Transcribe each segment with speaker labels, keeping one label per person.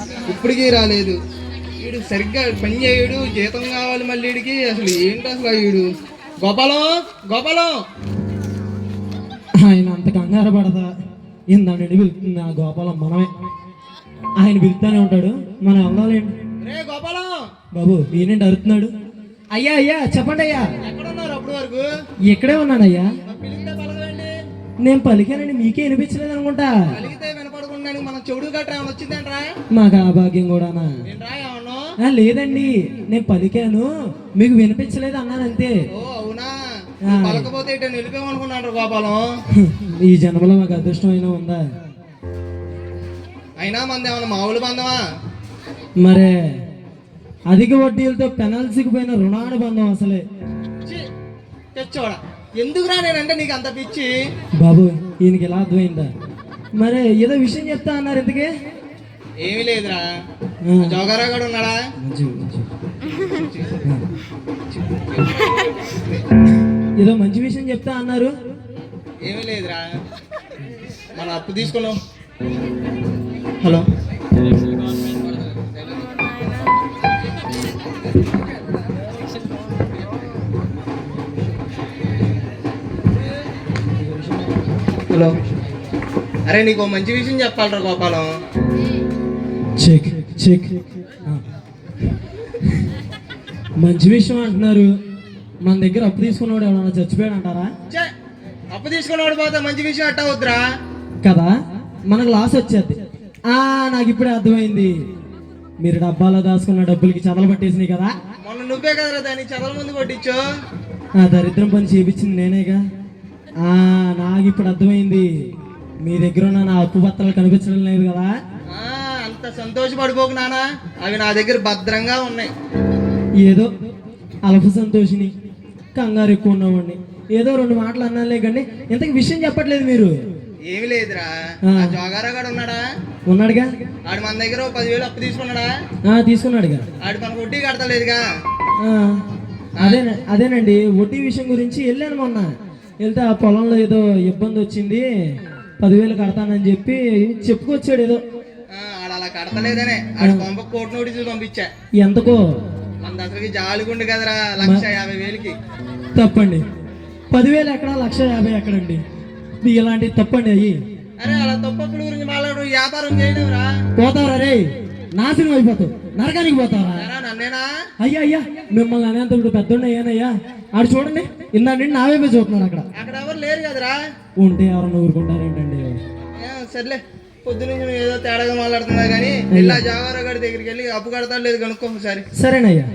Speaker 1: ఇప్పటికీ రాలేదు. వీడు సరిగ్గా పని చేయడు, జీతం కావాలి మళ్ళీ వీడికి. అసలు ఏంటి అసలు వీడు? గోపాలం, గోపాలం.
Speaker 2: ఆయన అంత కంగారు పడదా? ఇందాండి పిలుస్తుంది ఆ గోపాలం మనమే. ఆయన పిలుతానే ఉంటాడు, మనం వెళ్ళాలేండి.
Speaker 1: రే గోపాలం
Speaker 2: బాబు ఈయనండి అరుతున్నాడు. అయ్యా అయ్యా చెప్పండి అయ్యా.
Speaker 1: ఎక్కడున్నారు అప్పటి వరకు?
Speaker 2: ఇక్కడే ఉన్నానయ్యా.
Speaker 1: పిలిస్తే పలకదండి.
Speaker 2: నేను పలికానండి, మీకే వినిపించలేదు అనుకుంటా.
Speaker 1: పలికితే వినపడకుండా మనం చెవుడు గట్రా ఏమైనా వచ్చిందంట్రా?
Speaker 2: మాకు ఆ భాగ్యం కూడానా?
Speaker 1: ఏంట్రా ఏమన్నా?
Speaker 2: లేదండి, నేను పలికాను, మీకు వినిపించలేదు అన్నాను అంతే.
Speaker 1: ఓ అవునా? పలకపోతే ఇటు నిలిపేమనుకున్నాడు గోపాలం.
Speaker 2: ఈ జన్మలో మాకు అదృష్టం అయినా ఉందా?
Speaker 1: అయినా మంది ఏమన్నా మామూలు బంధమా?
Speaker 2: మరే అధిక వడ్డీలతో పెనాల్సీకి పోయిన రుణానుబంధం అసలే.
Speaker 1: తెచ్చోడా ఎందుకురా నేనంటే నీకు అంత పిచ్చి?
Speaker 2: బాబు ఈయనకి ఎలా అర్థమైందా? మరే ఏదో విషయం చెప్తా అన్నారు, ఎందుకే?
Speaker 1: ఏమీ లేదురా. జోగారావు గారు ఉన్నాడా?
Speaker 2: ఏదో మంచి విషయం చెప్తా అన్నారు.
Speaker 1: ఏమీ లేదురా, మనం అప్పు తీసుకున్నాం. Hello hello. అరే నీకు మంచి విషయం చెప్పాలరా గోపాలం.
Speaker 2: Check check. మంచి విషయం అంటున్నారు. మన దగ్గర అప్పు తీసుకున్నాడు ఎవరన్నా చచ్చిపోయాడు అంటారా?
Speaker 1: అప్పు తీసుకున్నాడు పోతే మంచి విషయం అట్ట వద్దురా
Speaker 2: కదా, మనకు లాస్ వచ్చేది. నాకు ఇప్పుడే అర్థమైంది. మీరు డబ్బాలో దాచుకున్న డబ్బులకి చదలు పట్టేసినాయి కదా.
Speaker 1: మొన్న నువ్వే కదరా దాన్ని చదల ముందు కొట్టించు.
Speaker 2: ఆ దరిద్రం పని చేపించింది నేనేగా. నాకు ఇప్పుడు అర్థమైంది. మీ దగ్గర ఉన్న నా అప్పు పత్రాలు కనిపించడం లేదు కదా.
Speaker 1: అంత సంతోషపడిపోకు నానా, అవి నా దగ్గర భద్రంగా ఉన్నాయి.
Speaker 2: ఏదో అల్ప సంతోషిని, కంగారు ఎక్కువ ఉన్నవాడిని. ఏదో 2 మాటలు అన్నాలే కానీ ఇంతకు విషయం చెప్పట్లేదు మీరు.
Speaker 1: ఏమి లేదురా, జోగారావు గారు ఉన్నాడా?
Speaker 2: ఉన్నాడుగా.
Speaker 1: ఆడు మన దగ్గర 10,000 అప్పు తీసుకున్నాడా?
Speaker 2: తీసుకున్నాడుగా.
Speaker 1: ఆడు మనకు వడ్డీ కడతలేదుగా.
Speaker 2: అదేనండి వడ్డీ విషయం గురించి వెళ్ళాను మొన్న. వెళ్తే ఆ పొలంలో ఏదో ఇబ్బంది వచ్చింది, 10,000 కడతానని చెప్పి చెప్పుకొచ్చాడు. ఏదో
Speaker 1: ఆడు అలా కడతలేదనే ఆడు పంప కోర్టు నోటీసులు పంపించా.
Speaker 2: ఎంతకో?
Speaker 1: మన అసలుకి జాలిగుండు కదరా, 150,000కి.
Speaker 2: తప్పండి. 10,000 ఎక్కడ, 150,000 ఎక్కడండి? ఇలాంటి తప్పండి అయ్యి.
Speaker 1: అరే అలా తప్పప్పుడు గురించి మాట్లాడు, వ్యాపారం చేయలేవురా.
Speaker 2: పోతావరా రే, నాశనం అయిపోతావు, నరకానికి పోతావా?
Speaker 1: నన్నేనా?
Speaker 2: అయ్యా అయ్యా మిమ్మల్ని అనేంత ఇప్పుడు పెద్దోడు అయ్యానయ్యా. ఆడు చూడండి, ఇందా నుండి నావైపే చూస్తున్నాడు.
Speaker 1: అక్కడ ఎవరు లేరు కదరా.
Speaker 2: ఉంటే ఎవరన్నా ఊరుకుంటారేంటండి?
Speaker 1: సర్లే, పొద్దునుంచి నువ్వు ఏదో తేడాగా మాట్లాడుతున్నా కానీ ఇలా జోగారావు గారి దగ్గరికి వెళ్ళి అప్పు కడతాడు లేదు కనుక్కో ఒకసారి.
Speaker 2: సరేనయ్యా.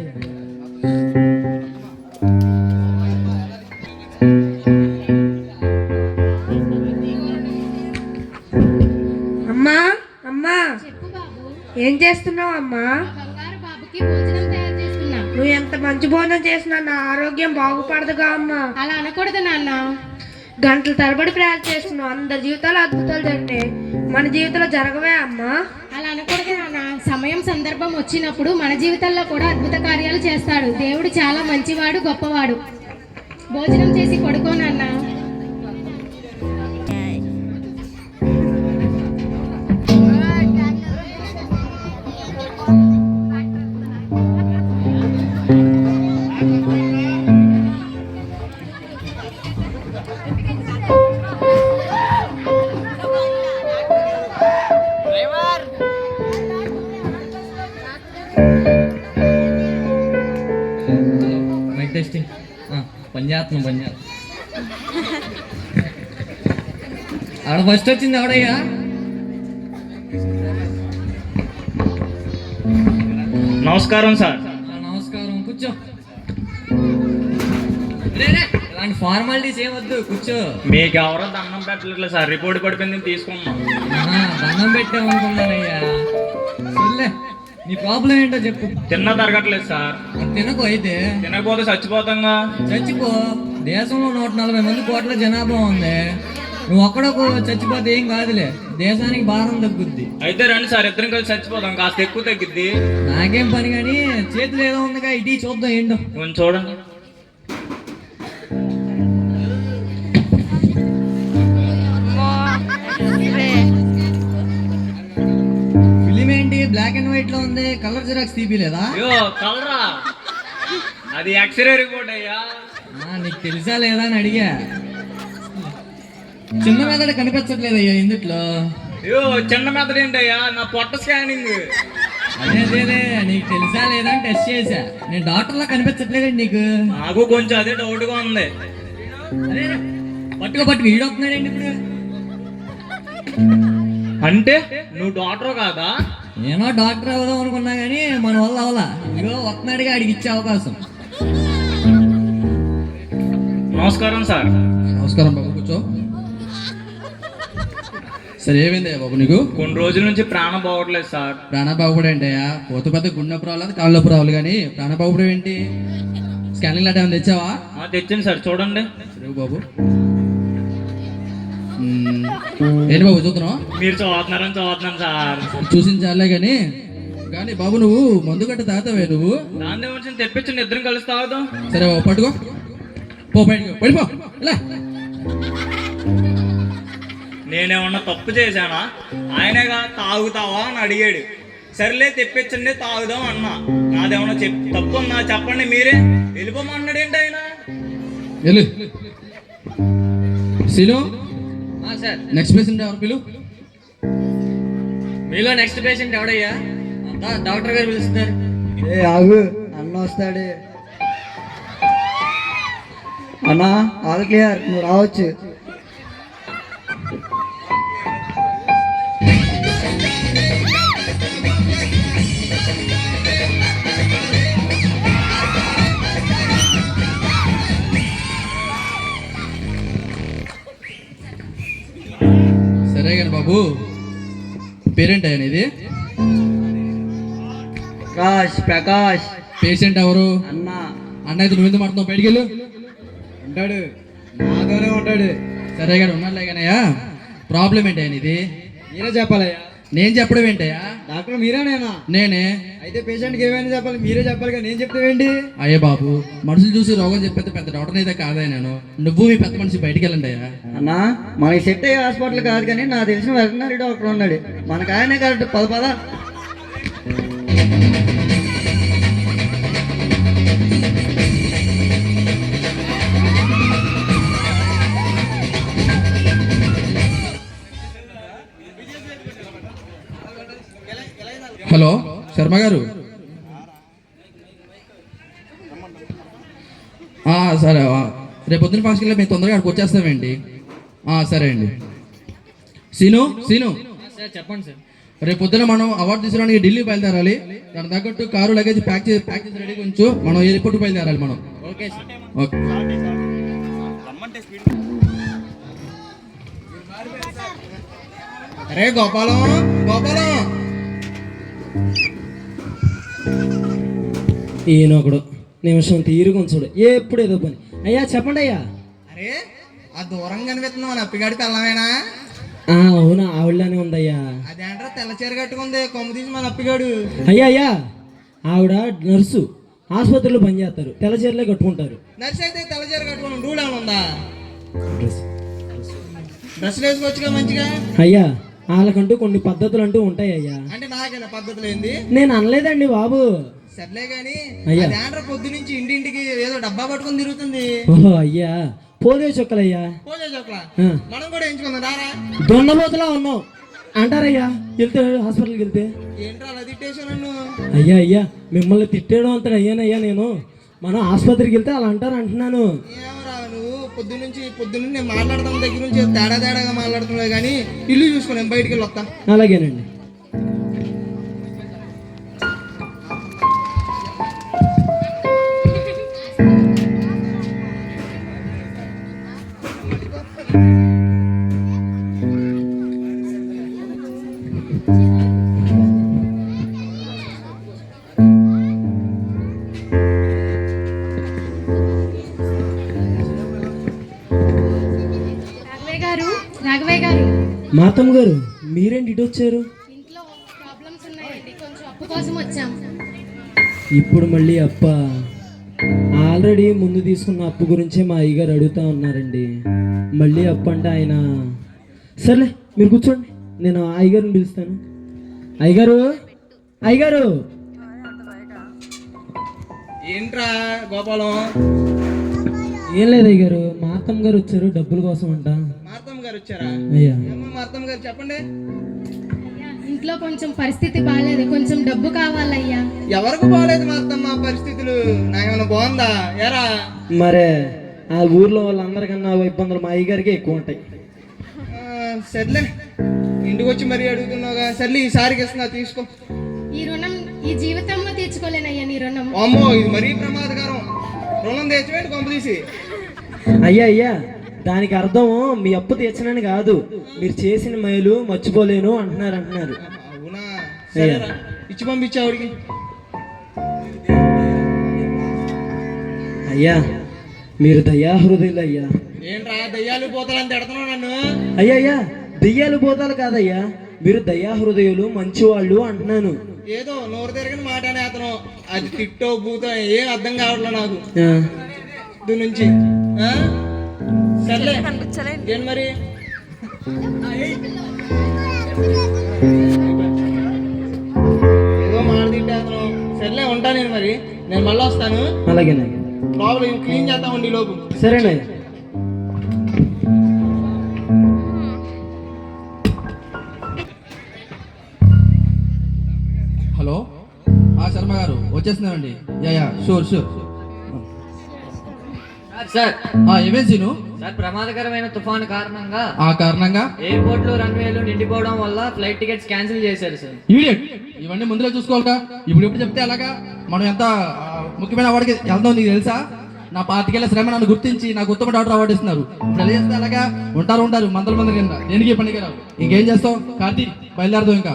Speaker 3: అమ్మా అమ్మా, ఏం చేస్తున్నావు అమ్మా? నువ్వు ఎంత మంచి భోజనం చేసినా నా ఆరోగ్యం బాగుపడదుగా అమ్మా.
Speaker 4: అలా అనకూడదు నాన్న.
Speaker 3: గంటల తరబడి ప్రయాణం చేస్తున్నావు, అందరి జీవితాలు అద్భుతాలు జరిగినాయి, మన జీవితంలో జరగవే అమ్మా?
Speaker 4: అలా అనకూడదు నాన్న. సమయం సందర్భం వచ్చినప్పుడు మన జీవితాల్లో కూడా అద్భుత కార్యాలు చేస్తాడు. దేవుడు చాలా మంచివాడు, గొప్పవాడు. భోజనం చేసి పడుకో నాన్న.
Speaker 5: పనిచేస్తున్నాం. ఆడ ఫస్ట్ వచ్చింది ఎవడయ్యా?
Speaker 6: నమస్కారం సార్.
Speaker 5: నమస్కారం, కూర్చో. ఇలాంటి ఫార్మాలిటీస్ ఏమొద్దు, కూర్చో.
Speaker 6: మీకు ఎవరో దండం పెట్టలేదు సార్, రిపోర్ట్ పడిపోయింది తీసుకున్నాం.
Speaker 5: దండం పెట్టామనుకున్నానయ్యా. సర్లే, నీ ప్రాబ్లం ఏంటో చెప్పు.
Speaker 6: తిన్న తరగట్లేదు సార్.
Speaker 5: తినకు అయితే.
Speaker 6: తినకపోతే చచ్చిపోతాంగా.
Speaker 5: చచ్చిపో. దేశంలో 140 మంది కోట్ల జనాభా ఉంది. నువ్వు ఒక్కడొక చచ్చిపోతే ఏం కాదులే, దేశానికి భారం తగ్గుద్ది.
Speaker 6: అయితే రండి సార్, ఇద్దరం కలిసి చచ్చిపోతాం, కాస్త ఎక్కువ తగ్గుద్ది.
Speaker 5: నాకేం పని కానీ చేతులు ఏదో ఉందిగా, ఇటీ చూద్దాం ఏంటో.
Speaker 6: కొంచెం చూడండి.
Speaker 5: ఫిలిం ఏంటి బ్లాక్ అండ్ వైట్ లో ఉంది, కలర్ జిరాక్స్ తీపిలేదా?
Speaker 6: అయ్యో కలరా, అది ఎక్స్రే రిపోర్ట్ అయ్యా.
Speaker 5: నీకు తెలుసా లేదా అని అడిగా. చిన్న మెదడు కనిపించట్లేదయ్యా ఇందుట్లో.
Speaker 6: అయ్యో చిన్న మెథడ్ ఏంటయ్యా, నా పొట్ట స్కానింగ్.
Speaker 5: అదే నీకు తెలుసా లేదా అని టెస్ట్ చేశా. నేను డాక్టర్లా కనిపించట్లేదండి నీకు.
Speaker 6: నాకు కొంచెం అదే డౌట్ గా ఉంది.
Speaker 5: అదే పట్టుకు ఈడొస్తున్నాడండి ఇప్పుడు.
Speaker 6: అంటే నువ్వు డాక్టర్ కాదా?
Speaker 5: నేను డాక్టర్ అవుదాం అనుకున్నా కానీ మన వల్ల అవలా. ఇగో వస్తున్నాడుగా, అడిగి ఇచ్చే అవకాశం.
Speaker 6: నమస్కారం సార్.
Speaker 1: నమస్కారం బాబు, కూర్చో. సరే ఏమైందయ్యా బాబు నీకు?
Speaker 6: కొన్ని రోజుల నుంచి ప్రాణం పోవట్లేదు సార్.
Speaker 1: ప్రాణ బాగుపడే ఏంటయ్యా? పోత పెద్ద గుండె నొప్పి రావాలి, కాళ్ళ నొప్పి రావాలి, కానీ ప్రాణ బాగుపడే ఏంటి? స్కానింగ్ లాంటి ఏమైనా తెచ్చావా?
Speaker 6: తెచ్చింది సార్, చూడండి.
Speaker 1: సరే బాబు. ఏంటి బాబు చూస్తున్నావు?
Speaker 6: మీరు చదువుతున్నాను సార్.
Speaker 1: చూసించాలే కానీ కానీ బాబు నువ్వు మందు గట్ట తాగుతావే నువ్వు?
Speaker 6: దాని వచ్చి తెప్పించండి, ఇద్దరం కలిసి తాగుదాం.
Speaker 1: సరే బాబు పట్టుకో, పో బయటకు పడిపో. ఇలా
Speaker 6: నేనేమన్నా తప్పు చేశానా? ఆయనగా తాగుతావా అని అడిగాడు. సర్లే తెప్పించండి తాగుదాం అన్నా. నాదేమన్నా తప్పు ఉందా చెప్పండి మీరే. వెళ్ళిపోమన్నాడు ఏంటి ఆయన?
Speaker 1: వెళ్ళు సీను.
Speaker 5: సార్,
Speaker 1: నెక్స్ట్ పేషెంట్ ఎవరు పిలు?
Speaker 5: మీలో నెక్స్ట్ పేషెంట్ ఎవడయ్యా? డాక్టర్ గారు పిలుస్తున్నారు.
Speaker 7: ఆగు, అన్న వస్తాడు. అన్నా ఆల్ క్లియర్, నువ్వు రావచ్చు.
Speaker 1: సరే కానీ బాబు, పేరెంట్ ఆయన ఇది?
Speaker 7: ప్రకాష్.
Speaker 1: పేషెంట్ ఎవరు?
Speaker 7: అన్న.
Speaker 1: అన్న అయితే నువ్వు ఎందుకు మాట్లాడుతున్నావు? బయటికి వెళ్ళు.
Speaker 7: ఉంటాడు, నాతోనే ఉంటాడు.
Speaker 1: సరే కానీ ఉన్నాడులే కానయ్యా. ప్రాబ్లం ఏంటి ఆయన ఇది?
Speaker 7: మీరే చెప్పాలయ్యా.
Speaker 1: నేను చెప్పడం ఏంటయ్యా?
Speaker 7: డాక్టర్ మీరేనేనా?
Speaker 1: నేనే.
Speaker 7: అయితే పేషెంట్కి ఏమైనా చెప్పాలి, మీరే చెప్పాలి కానీ నేను చెప్తావేంటి?
Speaker 1: అయ్యే బాబు, మనుషులు చూసి రోగం చెప్పేది పెద్ద డాక్టర్ అయితే కాదా నేను? నువ్వు మీ పెద్ద మనిషి బయటికి వెళ్ళండి అయ్యా.
Speaker 7: అన్నా మనకి సెట్ అయ్యే హాస్పిటల్ కాదు కానీ నాకు తెలిసిన వెటర్నరీ డాక్టర్ ఉన్నాడు, మనకు ఆయనే కరెక్ట్. పద.
Speaker 1: హలో శర్మ గారు. సరే రేపు పొద్దున్న ఫంక్షన్లో మేము తొందరగా అక్కడికి వచ్చేస్తామేంటి? సరే అండి. సీను
Speaker 5: సార్ చెప్పండి సార్.
Speaker 1: రేపు పొద్దున మనం అవార్డు తీసుకోవడానికి ఢిల్లీ బయలుదేరాలి. దాని తగ్గట్టు కారు లగేజ్ ప్యాక్ చేసి రెడీగా ఉంచు. మనం ఎయిర్పోర్ట్ బయలుదేరాలి మనం.
Speaker 5: Okay sir.
Speaker 1: ఓకే. అరే గోపాలం.
Speaker 2: ఈయనొకడు నిమిషం తీరుగా ఉంచుడు, ఎప్పుడు ఏదో పని. అయ్యా చెప్పండి అయ్యా.
Speaker 1: అరే ఆ దూరం కనిపిస్తున్నావు నా అప్పిగాడి పిల్లమేనా?
Speaker 2: అవునా, ఆవిడలానే ఉందయ్యా.
Speaker 1: అదేంట్రా తెల్ల చీర కట్టుకుంది, కొమ్ము తీసి మన అప్పిగాడు.
Speaker 2: అయ్యా ఆవిడ నర్సు, ఆసుపత్రిలో పనిచేస్తారు, తెల్ల చీరలే కట్టుకుంటారు.
Speaker 1: నర్సు అయితే తెల్ల చీర కట్టుకుని రూల్ ఏమైనా ఉందా? డ్రెస్సులు వేసుకోవచ్చుగా మంచిగా.
Speaker 2: అయ్యా వాళ్ళకంటూ కొన్ని పద్ధతులు అంటూ ఉంటాయి అయ్యా.
Speaker 1: అంటే నాకైనా పద్ధతులు ఏంది?
Speaker 2: నేను అనలేదండి బాబు.
Speaker 1: సర్లే గాని
Speaker 2: అయ్యా.
Speaker 1: అదేంట్రా పొద్దు నుంచి ఇంటింటికి ఏదో డబ్బా పట్టుకుని తిరుగుతుంది.
Speaker 2: ఓహో అయ్యా, పోలియో చుక్కలయ్యా.
Speaker 1: పోలే చోట్ల మనం కూడా ఎంచుకుందాం రారా.
Speaker 2: దొండబోతులా ఉన్నావు అంటారయ్యా వెళ్తే, హాస్పిటల్కి వెళ్తే.
Speaker 1: ఏంట్రా అలా తిట్టేసా నన్ను?
Speaker 2: అయ్యా మిమ్మల్ని తిట్టేయడం అంతా అయ్యానయ్యా నేను. మనం ఆసుపత్రికి వెళ్తే అలా అంటారు అంటున్నాను.
Speaker 1: ఏమరా నువ్వు పొద్దున్న నేను మాట్లాడతాం దగ్గర నుంచి తేడాగా మాట్లాడుతున్నావు కానీ ఇల్లు చూసుకుని బయటికి వెళ్ళి వస్తా.
Speaker 2: అలాగేనండి.
Speaker 4: రాఘవయ్య గారు.
Speaker 2: మాతమ్మ గారు మీరేంటి ఇటు వచ్చారు?
Speaker 4: ఇంట్లో ప్రాబ్లమ్స్ ఉన్నాయండి, కొంచెం అప్పు కోసం వచ్చాం.
Speaker 2: ఇప్పుడు మళ్ళీ అప్ప? ఆల్రెడీ ముందు తీసుకున్న అప్పు గురించే మా అయ్యగారు అడుగుతా ఉన్నారండి. మళ్ళీ అప్పు అంటే ఆయన. సర్లే మీరు కూర్చోండి, నేను అయ్యగారిని పిలుస్తాను. అయ్యగారు అయ్యగారు
Speaker 1: ఏంట్రా గోపాలం?
Speaker 2: ఏం లేదు అయ్యగారు, మా అత్తమ్మ గారు వచ్చారు డబ్బుల కోసం అంట.
Speaker 1: మార్తమ్మ గారు వచ్చారా?
Speaker 2: అయ్యా
Speaker 1: ఏమ్మా మార్తమ్మ గారు చెప్పండి.
Speaker 4: ఇంట్లో కొంచెం పరిస్థితి బాగాలేదు, కొంచెం డబ్బు కావాలయ్యా.
Speaker 1: ఎవరికి బాగాలేదు మార్తమ్మ పరిస్థితులు? నాకేమైనా బాగుందా ఎరా?
Speaker 2: మరే ఆ ఊర్లో వాళ్ళందరికన్నా ఇబ్బందులు మా అయ్యగారికి ఎక్కువ ఉంటాయి.
Speaker 1: సర్లే, ఇంటికి వచ్చి మరీ అడుగుతున్నావుగా. సర్లే ఈసారికి ఇస్తున్నా, తీసుకో.
Speaker 4: ఈ రుణం ఈ జీవితంలో తీర్చుకోలేనయ్యా నీ రుణం.
Speaker 1: అమ్మో, ఇది మరీ ప్రమాదకరం. రుణం తెచ్చివేంటి కొంప తీసి?
Speaker 2: అయ్యా అయ్యా, దానికి అర్థం మీ అప్పు తీర్చనని కాదు, మీరు చేసిన మేలు మర్చిపోలేను అంటున్నారు.
Speaker 1: అవునా? సరేరా, ఇచ్చి పంపించావుడికి.
Speaker 2: అయ్యా మీరు దయాహృదయులు అయ్యా.
Speaker 1: ఏంట్రా దయ్యాలు పోతాలని తిడుతున్నావు నన్ను?
Speaker 2: అయ్యా అయ్యా, దెయ్యాలు పోతాలు కాదయ్యా, మీరు దయాహృదయులు మంచివాళ్ళు అంటున్నాను.
Speaker 1: ఏదో నోరు తిరగని మాట అనే అతను, అది తిట్టో బూతో ఏం అర్థం కావట్లే నాకు దీని నుంచి. సర్లే ఏంటి మరి? ఏదో మాట తిట్టే అతను. సర్లే ఉంటా నేను మరి, నేను మళ్ళీ వస్తాను.
Speaker 2: అలాగేనా?
Speaker 1: లోపల క్లీన్ చేద్దామండి ఈ లోపు.
Speaker 2: సరేనా?
Speaker 8: హలో, శర్మ గారు వచ్చేస్తున్నామండి. Yeah sure.
Speaker 5: సార్
Speaker 8: ఏమేం సీను?
Speaker 5: సార్, ప్రమాదకరమైన తుఫాను కారణంగా
Speaker 8: కారణంగా
Speaker 5: ఎయిర్పోర్ట్లు రన్వేలు నిండిపోవడం వల్ల ఫ్లైట్ టికెట్స్ క్యాన్సిల్ చేశారు సార్.
Speaker 8: ఈడియట్, ఇవన్నీ ముందులో చూసుకోవాలిగా. ఇప్పుడు చెప్తే ఎలాగా? మనం ఎంత ముఖ్యమైన అవార్డుకి వెళ్దాం నీకు తెలుసా? నా పాతికేళ్ల శ్రమ నన్ను గుర్తించి నాకు ఉత్తమ డాక్టర్ అవార్డు ఇస్తున్నారు. ఇప్పుడు ఎలా చేస్తే అలాగా? ఉంటారు మంది కింద దేనికి పండుగ రావు. ఇంకేం చేస్తావు? కార్తీక్ బయలుదేరదాం. ఇంకా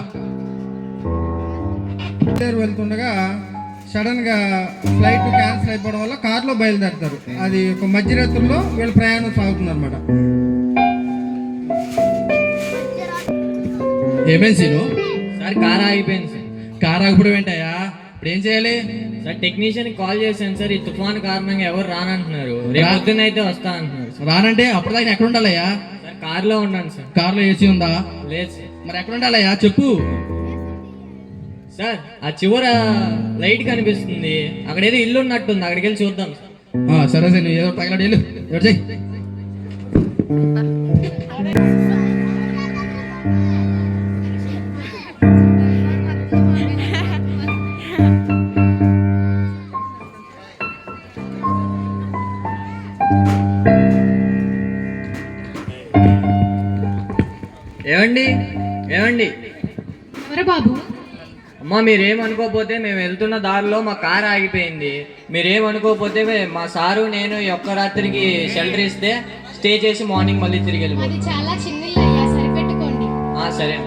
Speaker 1: వెళ్తుండగా సడన్ గా ఫ్లైట్ క్యాన్సిల్ అయిపోవడం వల్ల కార్లో బయలుదేరుతారు. అది ఒక మధ్యరాత్రుల్లో వీళ్ళ ప్రయాణం సాగుతుంది అనమాట.
Speaker 8: ఏమేం సీను?
Speaker 5: సార్, కార్ ఆగిపోయింది సార్.
Speaker 8: కార్ ఆగిపోవడం ఏంటయ్యా? ఇప్పుడు ఏం చేయాలి?
Speaker 5: సార్, టెక్నీషియన్ కాల్ చేశాను సార్, ఈ తుఫాను కారణంగా ఎవరు రానంటున్నారు. రేపు పొద్దున్న అయితే వస్తా అంటున్నారు సార్.
Speaker 8: రానంటే అప్పటిదాకా ఎక్కడ ఉండాలయ్యా?
Speaker 5: సార్, కార్లో ఉన్నాను సార్.
Speaker 8: కార్లో ఏసీ ఉందా?
Speaker 5: లేదు సార్.
Speaker 8: మరి ఎక్కడ ఉండాలయ్యా చెప్పు.
Speaker 5: సార్, ఆ చివర లైట్ కనిపిస్తుంది, అక్కడ ఏదో ఇల్లు ఉన్నట్టుంది, అక్కడికి వెళ్ళి చూద్దాం సార్.
Speaker 8: సరే సార్, నువ్వు ఏదో తగలడు వెళ్ళు. ఎవరు చెయ్యి.
Speaker 5: ఏమండి?
Speaker 4: ఎవరు బాబు?
Speaker 5: అమ్మా, మీరేమనుకోకపోతే మేము వెళ్తున్న దారిలో మా కార్ ఆగిపోయింది. మీరేమనుకోకపోతే మా సారు నేను ఈ ఒక్క రాత్రికి షెల్టర్ ఇస్తే స్టే చేసి మార్నింగ్ మళ్ళీ తిరిగి వెళ్ళిపోతాం.
Speaker 4: అది చాలా చిన్నిల్లు అయ్యా, సరిపెట్టుకోండి.
Speaker 5: సరే.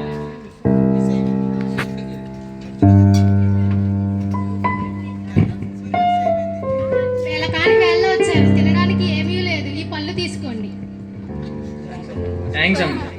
Speaker 4: వేళ కాని వేళ వచ్చారు, తినడానికి ఏమీ లేదు, ఈ పళ్ళు తీసుకోండి.
Speaker 5: థ్యాంక్స్ అమ్మా.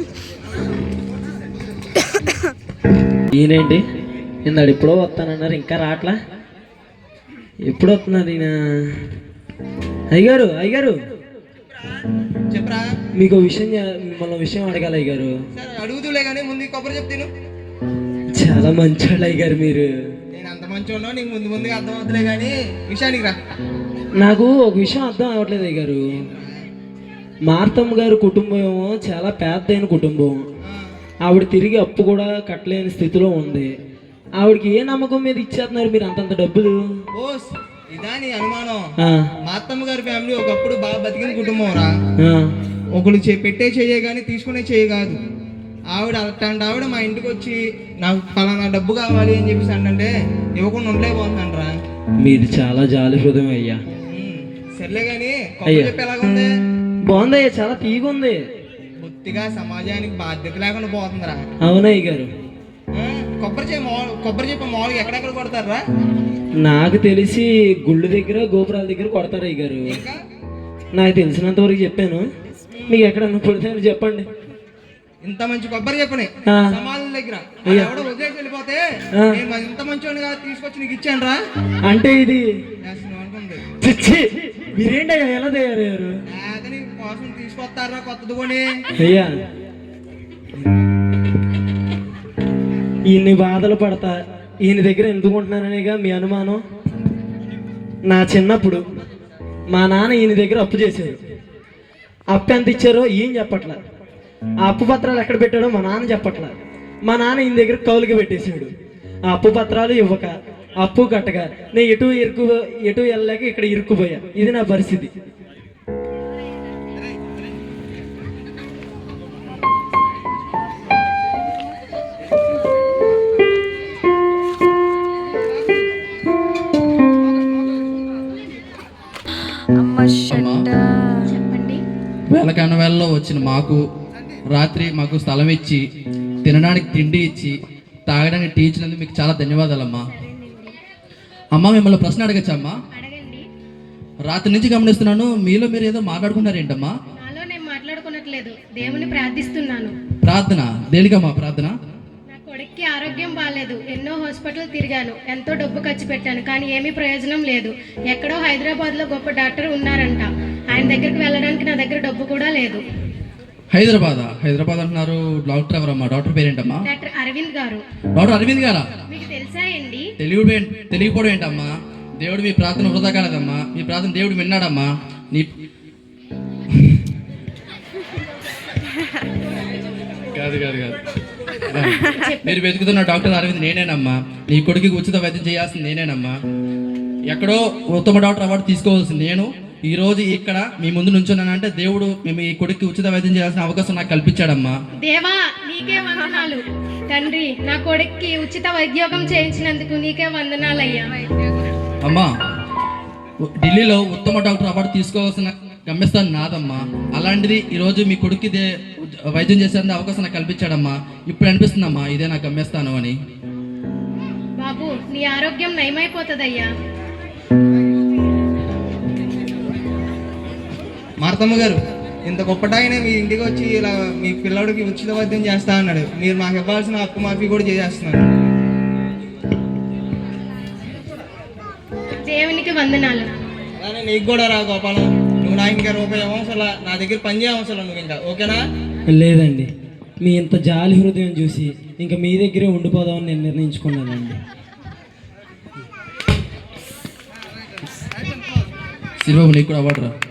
Speaker 2: ఈయనేంటి నిన్నాడు ఎప్పుడో వస్తానన్నారు, ఇంకా రావట్లా? ఎప్పుడు వస్తున్నారు ఈయన? అయ్యగారు
Speaker 1: చెప్పరా?
Speaker 2: మీకు మిమ్మల్ని విషయం అడగాలి అయ్యగారు.
Speaker 1: సరే అడుగుతులే కానీ ముందు కొబ్బరి చెప్తాను.
Speaker 2: చాలా మంచోళ్ళు అయ్యగారు మీరు.
Speaker 1: నేను అంత మంచి ఉన్నా నీకు ముందుగా అర్థం అవుతులే కానీ విషయానికి రా.
Speaker 2: నాకు ఒక విషయం అర్థం అవ్వట్లేదు అయ్యగారు. మార్తమ్మ గారి కుటుంబం చాలా పెద్దైన కుటుంబం. ఆవిడ తిరిగి అప్పు కూడా కట్టలేని స్థితిలో ఉంది. ఆవిడకి ఏ నమ్మకం మీద ఇచ్చేస్తున్నారు మీరు అంతంత డబ్బులు?
Speaker 1: ఓస్, ఇదా నీ అనుమానం? మా అత్తమ్మ గారి ఫ్యామిలీ ఒకప్పుడు బాగా బతికిన కుటుంబం రా. ఒకళ్ళు పెట్టే చెయ్యే కానీ తీసుకునే చెయ్యి కాదు. ఆవిడ అట్లాంటి ఆవిడ మా ఇంటికి వచ్చి నాకు ఫలానా డబ్బు కావాలి అని చెప్పేసి అంటే ఇవ్వకుండా ఉండలేకపోతున్నాను రా.
Speaker 2: మీరు చాలా జాలి హృదయం అయ్యా.
Speaker 1: సర్లే కానీ కొబ్బరి చెప్పి ఎలాగుంది?
Speaker 2: బాగుందయ్యా, చాలా తీగుంది.
Speaker 1: బొత్తిగా సమాజానికి బాధ్యత లేకుండా పోతుందిరా.
Speaker 2: అవునయ్య గారు.
Speaker 1: కొబ్బరి చెప్పి మామూలుగా ఎక్కడెక్కడ కొడతారా?
Speaker 2: నాకు తెలిసి గుళ్ళు దగ్గర గోపురాల దగ్గర కొడతారు అయ్య గారు. నాకు తెలిసినంత వరకు చెప్పాను, మీకు ఎక్కడన్నా కొడతారు చెప్పండి.
Speaker 1: ఇంత మంచి కొబ్బరి చెప్పని సమాధుల దగ్గర ఎవడో వదిలేసి వెళ్ళిపోతే నేను ఇంత మంచిగా తీసుకొచ్చి నీకు ఇచ్చాను రా.
Speaker 2: అంటే ఇది
Speaker 1: అనుకుంది.
Speaker 2: మీరేంటయ్యా ఎలా తయారయ్యారు?
Speaker 1: నీ కోసం తీసుకొస్తారా కొత్తది కొని?
Speaker 2: అయ్యా ఇన్ని బాధలు పడతా ఈయన దగ్గర ఎందుకు ఉంటున్నాననేగా మీ అనుమానం. నా చిన్నప్పుడు మా నాన్న ఈయన దగ్గర అప్పు చేశారు. అప్పు ఎంత ఇచ్చారో ఈయన చెప్పట్లా. ఆ అప్పు పత్రాలు ఎక్కడ పెట్టాడో మా నాన్న చెప్పట్లా. మా నాన్న ఈయన దగ్గర కౌలుకి పెట్టేశాడు. ఆ అప్పు పత్రాలు ఇవ్వక, అప్పు కట్టగా నేను ఎటు వెళ్ళలేక ఇక్కడ ఇరుక్కుపోయా. ఇది నా పరిస్థితి.
Speaker 8: అమ్మా, వేళకన్న వేళలో వచ్చిన మాకు రాత్రి మాకు స్థలం ఇచ్చి, తినడానికి తిండి ఇచ్చి, తాగడానికి టీ ఇచ్చినందుకు మీకు చాలా ధన్యవాదాలమ్మా. అమ్మ, మిమ్మల్ని ప్రశ్న అడగచ్చమ్మా?
Speaker 4: అడగండి.
Speaker 8: రాత్రి నుంచి గమనిస్తున్నాను, మీలో మీరు ఏదో మాట్లాడుకున్నారేంటమ్మా?
Speaker 4: నాలో నేను మాట్లాడుకోనట్లేదు, దేవుని ప్రార్థిస్తున్నాను.
Speaker 8: ప్రార్థన దేనికమ్మా? ప్రార్థన
Speaker 4: నా కొడుక్కి ఆరోగ్యం బాగాలేదు. ఎన్నో హాస్పిటల్ తిరిగాను, ఎంతో డబ్బు ఖర్చు పెట్టాను, కానీ ఏమీ ప్రయోజనం లేదు. ఎక్కడో హైదరాబాద్లో గొప్ప డాక్టర్ ఉన్నారంట. ఆయన దగ్గరికి వెళ్ళడానికి నా దగ్గర డబ్బు కూడా లేదు.
Speaker 8: హైదరాబాద్ అంటున్నారు. డాక్టర్ ఎవరమ్మా? డాక్టర్ పేరేంటమ్మా?
Speaker 4: డాక్టర్ అరవింద్ గారు.
Speaker 8: డాక్టర్ అరవింద్ గారా?
Speaker 4: మీకు తెలుసా అండి?
Speaker 8: తెలియకపోవడం ఏంటమ్మా? దేవుడు మీ ప్రార్థన వృధా కాలేదమ్మా. మీ ప్రార్థన దేవుడు విన్నాడమ్మా. నీ కాదు కాదు కాదు మీరు వెతుకుతున్న డాక్టర్ అరవింద్ నేనేనమ్మా. నీ కొడుకుకి ఉచిత వైద్యం చేయాల్సింది నేనేనమ్మా. ఎక్కడో ఉత్తమ డాక్టర్ అవార్డు తీసుకోవాల్సింది నేను. ఈ రోజు ఇక్కడ మీ ముందు నుంచున్నానంటే దేవుడు మేము ఈ కొడుకు ఉచిత వైద్యం చేయాల్సిన అవకాశం నాకు కల్పించాడమ్మా.
Speaker 4: దేవా, నీకే వందనాలు. తండ్రి, నా కొడుక్కి ఉచిత వైద్యోగం చేయించినందుకు నీకే వందనాలయ్యా.
Speaker 8: అమ్మా, ఢిల్లీలో ఉత్తమ డాక్టర్ అవార్డు తీసుకోవాల్సిన గమ్యస్థానం నాదమ్మా. అలాంటిది ఈరోజు మీ కొడుక్కి వైద్యం చేసేందుకు అవకాశం నాకు కల్పించాడమ్మా. ఇప్పుడు అనిపిస్తుందమ్మా ఇదే నా గమ్యస్థానం అని.
Speaker 4: బాబు, నీ ఆరోగ్యం నయమైపోతుందయ్యా.
Speaker 1: మార్తమ్మ గారు, ఇంత గొప్పటాయన మీ ఇంటికి వచ్చి ఇలా మీ పిల్లడికి ఉచిత వైద్యం చేస్తా అన్నాడు. మీరు మాకు ఇవ్వాల్సిన అప్పు మాఫీ కూడా చేసేస్తున్నారు.
Speaker 4: దేవునికి వందనాలు.
Speaker 1: కానీ నీకు కూడా రా గోపాలం, నువ్వు నా ఇంకా రూపాయి అవసరం, నా దగ్గర పని చేయవసరం నువ్వు ఇంకా, ఓకేనా?
Speaker 2: లేదండి, మీ ఇంత జాలి హృదయం చూసి ఇంకా మీ దగ్గరే ఉండిపోదామని నేను నిర్ణయించుకున్నానండి.
Speaker 8: శివబాబు, నీకు కూడా అవార్డు రా.